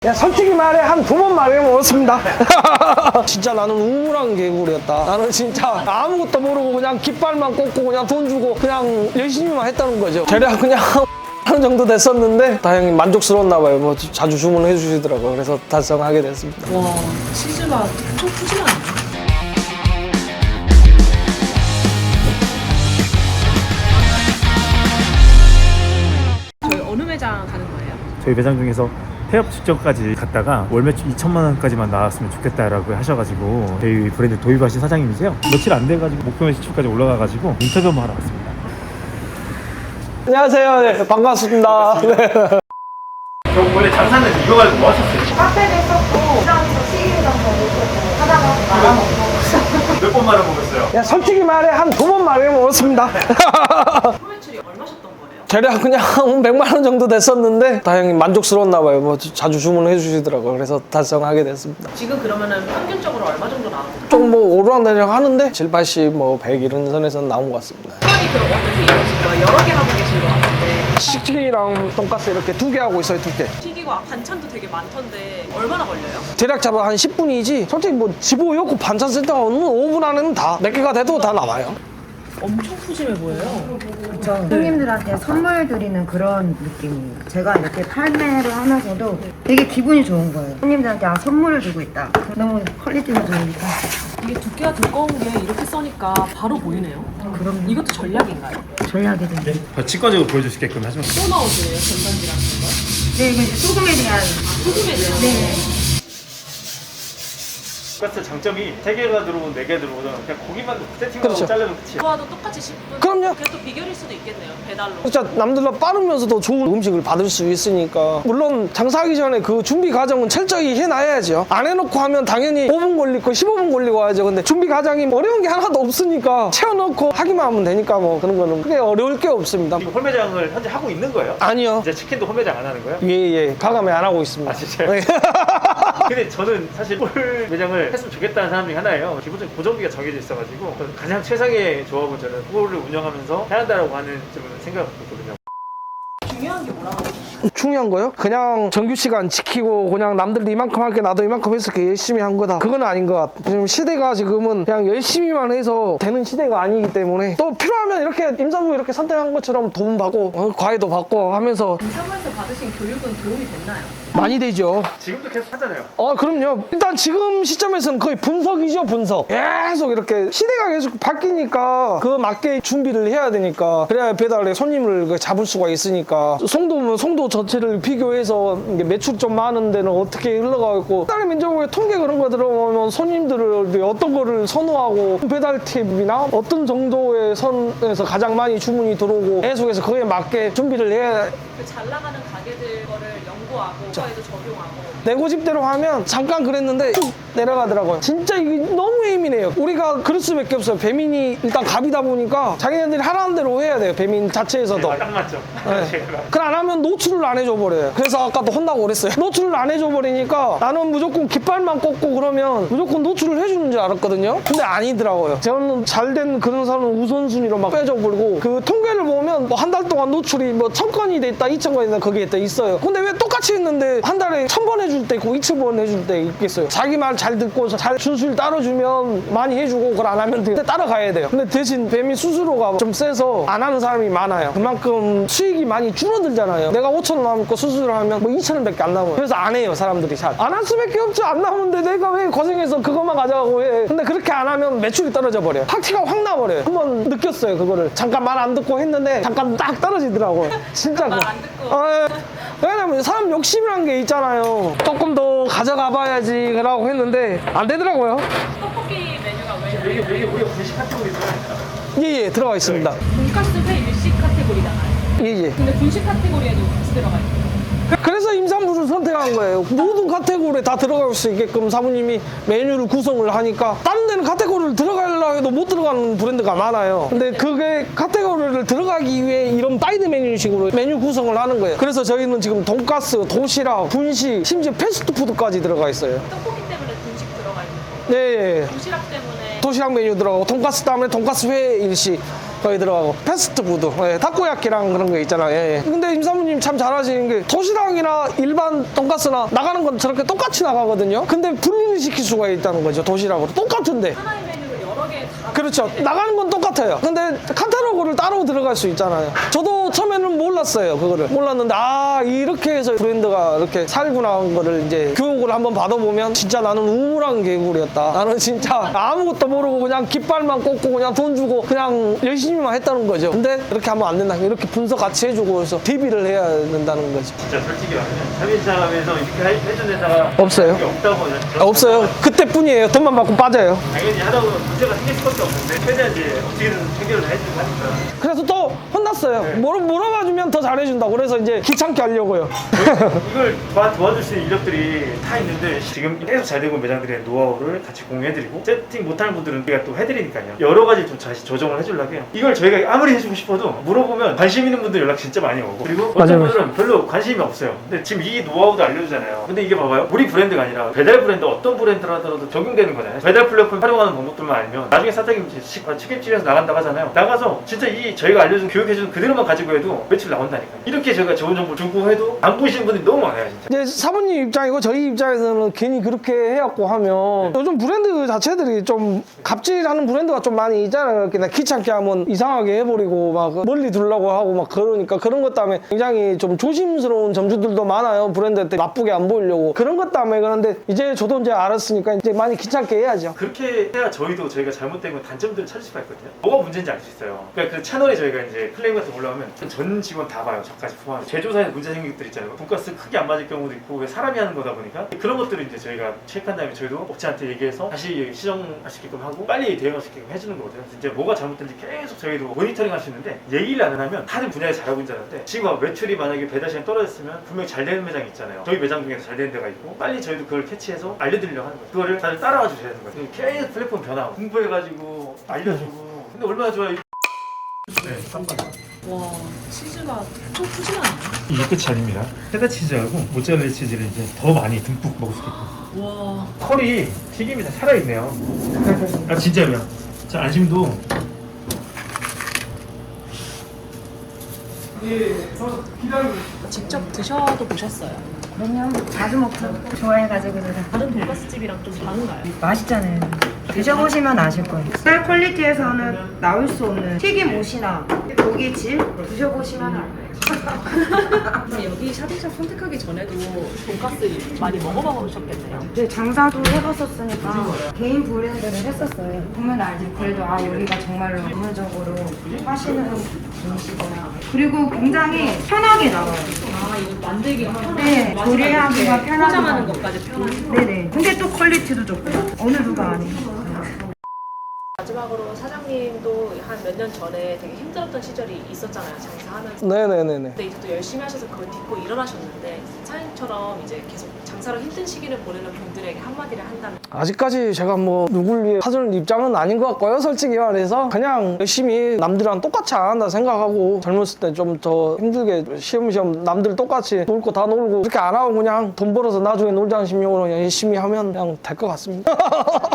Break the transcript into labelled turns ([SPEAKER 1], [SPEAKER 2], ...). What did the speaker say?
[SPEAKER 1] 야, 솔직히 말해 한 2번 말해 먹었습니다. 진짜 나는 우물한 개구리였다. 나는 진짜 아무것도 모르고 그냥 깃발만 꽂고 그냥 돈 주고 그냥 열심히만 했다는 거죠. 대략 그냥 하는 정도 됐었는데 다행히 만족스러웠나 봐요. 뭐 자주 주문해 주시더라고요. 그래서 달성하게 됐습니다.
[SPEAKER 2] 와, 치즈가 엄청 푸짐하네. 저희 어느 매장 가는 거예요?
[SPEAKER 3] 저희 매장 중에서 폐업 직전까지 갔다가 월 매출 2천만 원까지만 나왔으면 좋겠다라고 하셔가지고 저희 브랜드 도입하신 사장님이세요. 며칠 안 돼가지고 목표 매출까지 올라가가지고 인터뷰 한번 하러 왔습니다.
[SPEAKER 1] 안녕하세요. 네, 반갑습니다. 네.
[SPEAKER 3] 그럼 원래 장사는 이거 가지고 뭐 하셨어요?
[SPEAKER 4] 카페도 썼고, 시장에서 튀김이랑도 먹고, 하다가 말아먹고.
[SPEAKER 3] 몇 번 말아먹었어요?
[SPEAKER 1] 야, 솔직히 말해 한 2번 말해 먹었습니다.
[SPEAKER 2] 매출이 얼마셨던 거예요?
[SPEAKER 1] 대략 그냥 100만 원 정도 됐었는데 다행히 만족스러웠나 봐요. 뭐 자주 주문해 주시더라고요. 그래서 달성하게 됐습니다.
[SPEAKER 2] 지금 그러면은 평균적으로 얼마 정도 나오는 거예요?
[SPEAKER 1] 좀 뭐 오르락내리락 하는데 7, 80, 뭐 100 이런 선에서 나온 것 같습니다.
[SPEAKER 2] 시간이 그럼 어떻게 이루어진 거예요? 여러 개 하고 계신 것 같은데
[SPEAKER 1] 치킨이랑 돈가스 이렇게 2개 하고 있어요. 2개.
[SPEAKER 2] 튀기고 반찬도 되게 많던데 얼마나 걸려요?
[SPEAKER 1] 대략 잡아 한 10분이지 솔직히 뭐 집어넣고 반찬 쓸 때가 없는 5분 안에는 다 몇 개가 돼도 다 나와요.
[SPEAKER 2] 엄청 푸짐해 보여요.
[SPEAKER 4] 그렇죠. 손님들한테 선물 드리는 그런 느낌이에요. 제가 이렇게 판매를 하면서도 되게 기분이 좋은 거예요. 손님들한테 선물을 주고 있다. 너무 퀄리티가 좋으니까.
[SPEAKER 2] 이게 두께가 두꺼운 게 이렇게 써니까 바로 보이네요.
[SPEAKER 4] 그럼
[SPEAKER 2] 이것도 전략인가요?
[SPEAKER 4] 전략이든지.
[SPEAKER 3] 직관적으로 보여줄 수 있게끔 하시면
[SPEAKER 2] 또 나오시네요, 전단지랑 거.
[SPEAKER 4] 네, 이게 소금에 대한.
[SPEAKER 2] 소금에 대한
[SPEAKER 4] 네.
[SPEAKER 3] 돈가스 장점이 3개가 들어오든 4개 들어오든 그냥 고기만 세팅하고
[SPEAKER 1] 그렇죠.
[SPEAKER 3] 자르면 끝이에요.
[SPEAKER 2] 좋아도 똑같이 10분.
[SPEAKER 1] 그럼요.
[SPEAKER 2] 그게 또 비결일 수도 있겠네요, 배달로.
[SPEAKER 1] 진짜 남들보다 빠르면서도 좋은 음식을 받을 수 있으니까 물론 장사하기 전에 그 준비 과정은 철저히 해놔야죠. 안 해놓고 하면 당연히 5분 걸리고 15분 걸리고 하죠. 근데 준비 과정이 어려운 게 하나도 없으니까 채워넣고 하기만 하면 되니까 뭐 그런 거는 크게 어려울 게 없습니다.
[SPEAKER 3] 지금 홀매장을 현재 하고 있는 거예요?
[SPEAKER 1] 아니요.
[SPEAKER 3] 이제 치킨도 홀매장 안 하는 거예요?
[SPEAKER 1] 예. 과감히 안 하고 있습니다.
[SPEAKER 3] 아, 진짜요?
[SPEAKER 1] 네.
[SPEAKER 3] 근데 저는 사실 홀 매장을 했으면 좋겠다는 사람 중에 하나예요. 기본적인 고정비가 정해져 있어가지고 가장 최상의 조합은 저는 홀을 운영하면서 해야 한다라고 하는 좀 생각을 갖고 있거든요.
[SPEAKER 2] 중요한 게 뭐라고 하죠?
[SPEAKER 1] 중요한 거요? 그냥 정규 시간 지키고 그냥 남들이 이만큼 할게 나도 이만큼 해서 이렇게 열심히 한 거다. 그건 아닌 것 같아. 지금 시대가 지금은 그냥 열심히만 해서 되는 시대가 아니기 때문에 또 필요하면 이렇게 임산부 이렇게 선택한 것처럼 돈 받고 과외도 받고 하면서
[SPEAKER 2] 임산부에서 받으신 교육은 도움이 됐나요?
[SPEAKER 1] 많이 되죠.
[SPEAKER 3] 지금도 계속 하잖아요.
[SPEAKER 1] 그럼요. 일단 지금 시점에서는 거의 분석이죠, 분석. 계속 이렇게 시대가 계속 바뀌니까 그 맞게 준비를 해야 되니까 그래야 배달에 손님을 잡을 수가 있으니까 송도면 송도 전체를 비교해서 이게 매출 좀 많은 데는 어떻게 흘러가고 배달 면적의 통계 그런 거 들어보면 손님들을 어떤 거를 선호하고 배달 팁이나 어떤 정도의 선에서 가장 많이 주문이 들어오고 계속해서 그에 맞게 준비를 해야
[SPEAKER 2] 그 잘 나가는 가게들 거를 연구하고 그거에도 적용하고
[SPEAKER 1] 내 고집대로 하면 잠깐 그랬는데 쭉 내려가더라고요. 진짜 이게 너무 예민해요. 우리가 그럴 수밖에 없어요. 배민이 일단 갑이다 보니까 자기네들이 하라는 대로 해야 돼요. 배민 자체에서도.
[SPEAKER 3] 딱 맞죠.
[SPEAKER 1] 네.
[SPEAKER 3] 제가
[SPEAKER 1] 그걸 안 하면 노출을 안 해줘 버려요. 그래서 아까도 혼나고 그랬어요. 노출을 안 해줘 버리니까 나는 무조건 깃발만 꽂고 그러면 무조건 노출을 해주는 줄 알았거든요. 근데 아니더라고요. 저는 잘된 그런 사람은 우선순위로 막 빼줘 버리고 그 통계를 보면 뭐 한 달 동안 노출이 뭐 1000건이 돼 있다, 2000건이 있다 거기에 또 있어요. 근데 왜 똑같이 했는데 한 달에 1000번 해줄 때 있고 2000번 해줄 때 있겠어요. 자기 말 잘 듣고 잘 준수를 따라주면 많이 해주고 그걸 안 하면 근데 따라가야 돼요. 근데 대신 배민 수수료가 좀 세서 안 하는 사람이 많아요. 그만큼 수익이 많이 줄어들잖아요. 내가 5,000원 남고 수수료 하면 뭐 2,000원밖에 안 남아요. 그래서 안 해요, 사람들이 잘. 안 할 수밖에 없죠. 안 남는데 내가 왜 고생해서 그것만 가져가고 해. 근데 그렇게 안 하면 매출이 떨어져 버려요. 파티가 확 나버려요. 한번 느꼈어요, 그거를. 잠깐 말 안 듣고 했는데 잠깐 딱 떨어지더라고요. 진짜.
[SPEAKER 2] 말 안 듣고.
[SPEAKER 1] 왜냐면 사람 욕심이란 게 있잖아요. 조금 더 가져가 봐야지 라고 했는데 안 되더라고요.
[SPEAKER 2] 떡볶이 메뉴가 왜
[SPEAKER 3] 여기 우리가 분식 카테고리 있어요.
[SPEAKER 1] 예, 들어가 있습니다.
[SPEAKER 2] 돈가스 회 일식 카테고리잖아요.
[SPEAKER 1] 예.
[SPEAKER 2] 근데 분식 카테고리에도 같이 들어가 있어요.
[SPEAKER 1] 그래서 임산부를 선택한 거예요. 모든 카테고리에 다 들어갈 수 있게끔 사부님이 메뉴를 구성을 하니까 다른 데는 카테고리를 들어가려고 해도 못 들어가는 브랜드가 많아요. 근데 그게 카테고리를 들어가기 위해 이런 사이드 메뉴식으로 메뉴 구성을 하는 거예요. 그래서 저희는 지금 돈가스, 도시락, 분식, 심지어 패스트푸드까지 들어가 있어요.
[SPEAKER 2] 떡볶이 때문에 분식 들어가 있는 거.
[SPEAKER 1] 네.
[SPEAKER 2] 도시락 때문에
[SPEAKER 1] 도시락 메뉴 들어가고 돈가스 다음에 돈가스 회 일식 거기 들어가고 패스트푸드, 예, 타코야키랑 그런 거 있잖아요. 예. 근데 임사모님 참 잘하시는 게 도시락이나 일반 돈가스나 나가는 건 저렇게 똑같이 나가거든요. 근데 분리를 시킬 수가 있다는 거죠. 도시락으로 똑같은데.
[SPEAKER 2] 하나의 메뉴를 여러 개 다.
[SPEAKER 1] 그렇죠. 나가는 건 똑같아요. 근데 카탈로그를 따로 들어갈 수 있잖아요. 저도 처음에는 몰랐어요. 그거를. 몰랐는데, 아, 이렇게 해서 브랜드가 이렇게 살구나 한 거를 이제 교육을 한번 받아보면 진짜 나는 우물한 개구리였다. 나는 진짜 아무것도 모르고 그냥 깃발만 꽂고 그냥 돈 주고 그냥 열심히만 했다는 거죠. 근데 이렇게 하면 안 된다. 이렇게 분석 같이 해주고 그래서 DB를 해야 된다는 거죠.
[SPEAKER 3] 진짜 솔직히 말하면 차별점에서 이렇게 해준 회사가
[SPEAKER 1] 없어요.
[SPEAKER 3] 없다고 저는
[SPEAKER 1] 없어요. 그때뿐이에요. 돈만 받고 빠져요.
[SPEAKER 3] 당연히 하다 보면 문제가 생길 수밖에 없는데 최대한 이제 어떻게든 해결을 해주고 하니까
[SPEAKER 1] 그래서 또 혼났어요. 물어봐주면 더 잘해준다고. 그래서 이제 귀찮게 하려고요.
[SPEAKER 3] 이걸 도와줄 수 있는 인력들이 다 있는데 지금 계속 잘 되고 매장들의 노하우를 같이 공유해드리고 세팅 못하는 분들은 우리가 또 해드리니까요. 여러 가지 좀 다시 조정을 해주려고 해요. 이걸 저희가 아무리 해주고 싶어도 물어보면 관심 있는 분들 연락 진짜 많이 오고 그리고 어떤
[SPEAKER 1] 맞아요.
[SPEAKER 3] 분들은 별로 관심이 없어요. 근데 지금 이 노하우도 알려주잖아요. 근데 이게 봐봐요. 우리 브랜드가 아니라 배달 브랜드 어떤 브랜드를 하더라도 적용되는 거잖아요. 배달 플랫폼 활용하는 방법들만 알면 나중에 사장님 책임지면서 나간다고 하잖아요. 나가서 진짜 이 저희가 알려준 교육해준 그대로만 가지고 해도 매출 나온다니까. 이렇게 저희가 좋은 정보 주고 해도 안 보시는 분들이 너무 많아요 진짜.
[SPEAKER 1] 이제 사모님 입장이고 저희 입장에서는 괜히 그렇게 해갖고 하면 요즘 브랜드 자체들이 좀 갑질하는 브랜드가 좀 많이 있잖아요. 그냥 귀찮게 하면 이상하게 해버리고 막 멀리 두려고 하고 막 그러니까 그런 것 때문에 굉장히 좀 조심스러운 점주들도 많아요. 브랜드한테 나쁘게 안 보이려고 그런 것 때문에. 그런데 이제 저도 이제 알았으니까 이제 많이 귀찮게 해야죠.
[SPEAKER 3] 그렇게 해야 저희가 잘못된 건 단점들을 찾을 수가 있거든요. 뭐가 문제인지 알 수 있어요. 그러니까 그 채널에 저희가 이제 클레임 같은 거 올라오면 전 직원 다 봐요. 저까지 포함해. 제조사에서 문제 생긴 것들 있잖아요. 돈가스 크게 안 맞을 경우도 있고 왜 사람이 하는 거다 보니까 그런 것들을 이제 저희가 체크한 다음에 저희도 업체한테 얘기해서 다시 시정할 수 있게끔 하고 빨리 대응할 수 있게끔 해주는 거거든요. 이제 뭐가 잘못된지 계속 저희도 모니터링 할 수 있는데 얘기를 안 하면 다른 분야에 잘하고 있는 줄 알았는데 지금 매출이 만약에 배달 시간이 떨어졌으면 분명히 잘 되는 매장이 있잖아요. 저희 매장 중에서 잘 되는 데가 있고 빨리 저희도 그걸 캐치해서 알려드리려고 하는 거예요. 그거를 다들 따라와 주셔야 되는 거예요. 계속 플랫폼 변화하고 공부해가지고 알려주고 근데 얼마나 좋아요. 네, 3번.
[SPEAKER 2] 와, 치즈가 좀 푸짐하네요.
[SPEAKER 3] 이게 끝이 아닙니다. 체다 치즈하고 모짜렐라 치즈를 이제 더 많이 듬뿍 먹을 수 있게끔.
[SPEAKER 2] 와.
[SPEAKER 3] 털이 튀김이 다 살아있네요. 아 진짜로요. 자 안심도.
[SPEAKER 2] 직접 드셔도 보셨어요?
[SPEAKER 4] 그럼요. 자주 먹죠. 좋아해가지고 제가.
[SPEAKER 2] 다른 돈가스 집이랑 좀 다른가요?
[SPEAKER 4] 맛있잖아요. 드셔보시면 아실 거예요. 쌀 퀄리티에서는 나올 수 없는 튀김 옷이나 고기 질 드셔보시면 알아요.
[SPEAKER 2] 그럼 여기 샤딩샵 선택하기 전에도 돈가스 많이 먹어보셨겠네요.
[SPEAKER 4] 네, 장사도 해봤었으니까 개인 브랜드를 했었어요. 보면 알지. 그래도 아 여기가 정말로 전문적으로 하시는 분이시구나. 그리고 굉장히 편하게 나와요.
[SPEAKER 2] 아, 이거 만들기가 편하고
[SPEAKER 4] 네, 조리하기가 편하고.
[SPEAKER 2] 포장하는 것까지 편하고.
[SPEAKER 4] 네네. 근데 또 퀄리티도 좋고 어느 누가 아니에요.
[SPEAKER 2] 마지막으로 사장님도 한 몇 년 전에 되게 힘들었던 시절이 있었잖아요, 장사하면서.
[SPEAKER 1] 네네네네.
[SPEAKER 2] 근데 이제 또 열심히 하셔서 그걸 딛고 일어나셨는데 사장님처럼 이제 계속 장사로 힘든 시기를 보내는 분들에게 한마디를 한다면?
[SPEAKER 1] 아직까지 제가 뭐 누굴 위해 사줄 입장은 아닌 것 같고요. 솔직히 말해서 그냥 열심히 남들이랑 똑같이 안 한다 생각하고 젊었을 때 좀 더 힘들게 시험시험 남들 똑같이 놀 거 다 놀고 그렇게 안 하고 그냥 돈 벌어서 나중에 놀자는 심령으로 그냥 열심히 하면 그냥 될 것 같습니다.